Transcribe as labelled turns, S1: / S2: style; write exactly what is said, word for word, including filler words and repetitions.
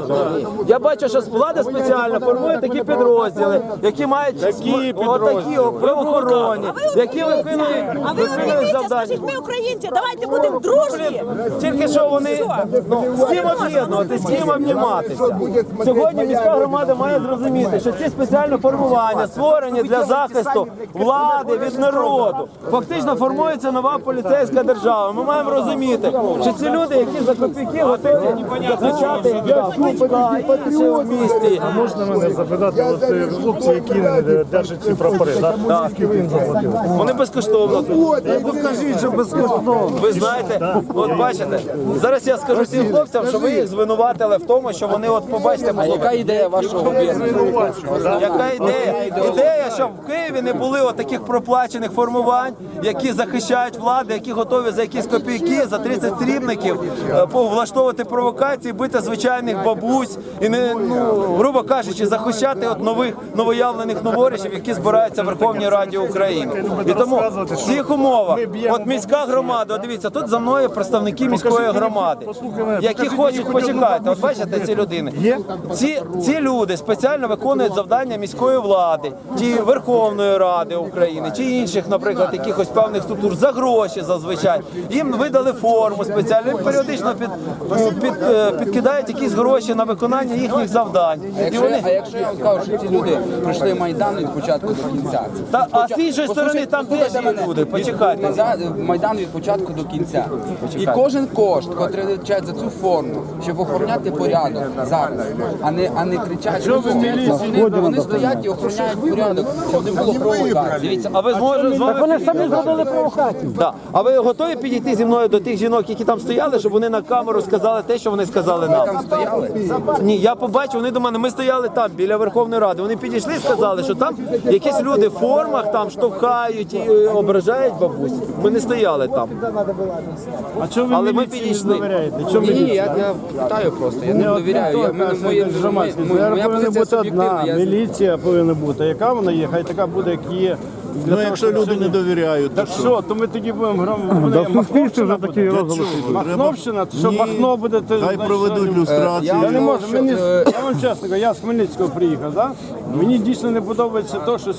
S1: Я бачу, що влада спеціально формує такі підрозділи, які мають
S2: Такі
S1: отакі правоохоронні, які виконують
S3: А ви українці, скажіть, ми українці, давайте будемо дружні.
S1: тільки що вони ну, з ким об'єднувати, з ким обніматися. Сьогодні міська громада має зрозуміти, що ці спеціальні формування створені для захисту влади від народу. Фактично формується нова поліцейська держава. Ми маємо розуміти, що ці люди, які за копійки готові захищати в місті.
S2: А можна мене запитати, от е, хлопці, які е, держать ці прапори, так? Скільки ви їм заплатили?
S1: Вони безкоштовно.
S2: Покажіть, що безкоштовно.
S1: Ви знаєте, от бачите, зараз я скажу цим хлопцям, що ви їх звинуватили в тому, що вони от побачите. А яка ідея вашого об'єднання? Яка ідея? Ідея, щоб в Києві не були от таких проплачених формувань, які захищають владу, які готові за якісь копійки, за тридцять срібників е, влаштовувати провокації, бити звичайних бабусь і не, ну, грубо кажучи, захищати от нових новоявлених новоришів, які збираються в Верховній Раді України. І тому в цих умовах, от міська громада, от дивіться, тут за мною представники міської громади, які хочуть, почекайте, от бачите ці людини. Ці, ці люди спеціально виконують завдання міської влади, чи Верховної Ради України, чи інших, наприклад, якихось певних структур за гроші зазвичай. Їм видали форму спеціально, їм періодично під, під, підкидають якісь гроші на виконання їхніх завдань.
S4: А якщо,
S1: вони...
S4: а якщо я вам кажу, що ці люди пройшли Майдан від початку до кінця.
S1: Та, а з іншої сторони там теж є люди, почекайте.
S4: За Майдан від початку до кінця. І кожен кошт, який витрачають за цю форму, щоб охороняти порядок зараз, а не, а не кричать, що вони, вони стоять і охороняють порядок, щоб не було провокацій.
S1: Дивіться, а ви зможете з вами...
S5: Вони самі зробили провокацію.
S1: Да. А ви готові підійти зі мною до тих жінок, які там стояли, щоб вони на камеру сказали те, що вони сказали нам?
S4: Там стояли?
S1: Ні, я побачив, вони до мене, ми стояли там, біля Верховної Ради. Вони підійшли і сказали, що там якісь люди в формах там штовхають і е, ображають бабусь. Ми не стояли там.
S2: А чого ви
S1: Але ми
S2: міліції не
S1: підійшли.
S2: довіряєте? Чого
S4: Ні,
S2: міліції?
S4: я, я питаю просто, я не довіряю. Я, мене, моє, моє,
S2: Громадськість.
S4: моя
S2: Повинна
S4: позиція
S2: бути одна,
S4: суб'єктивна. Я-
S2: міліція повинна бути. Яка вона є, хай така буде, як є. Для
S6: Ну,
S2: того,
S6: якщо
S2: щоб
S6: люди
S2: все-
S6: не довіряють, то
S2: Так що, то ми тоді будемо гром...
S5: Да, в суспільстві вже такі розголоси.
S2: Махновщина, то що
S6: Ні.
S2: Махно буде... то,
S6: хай
S2: значить,
S6: проведуть
S2: сьогодні-
S6: люстрацію.
S2: Я не можу,
S4: Що,
S2: мені,
S4: е,
S2: я вам чесно кажу, я з Хмельницького приїхав, да? Мені дійсно не подобається те, що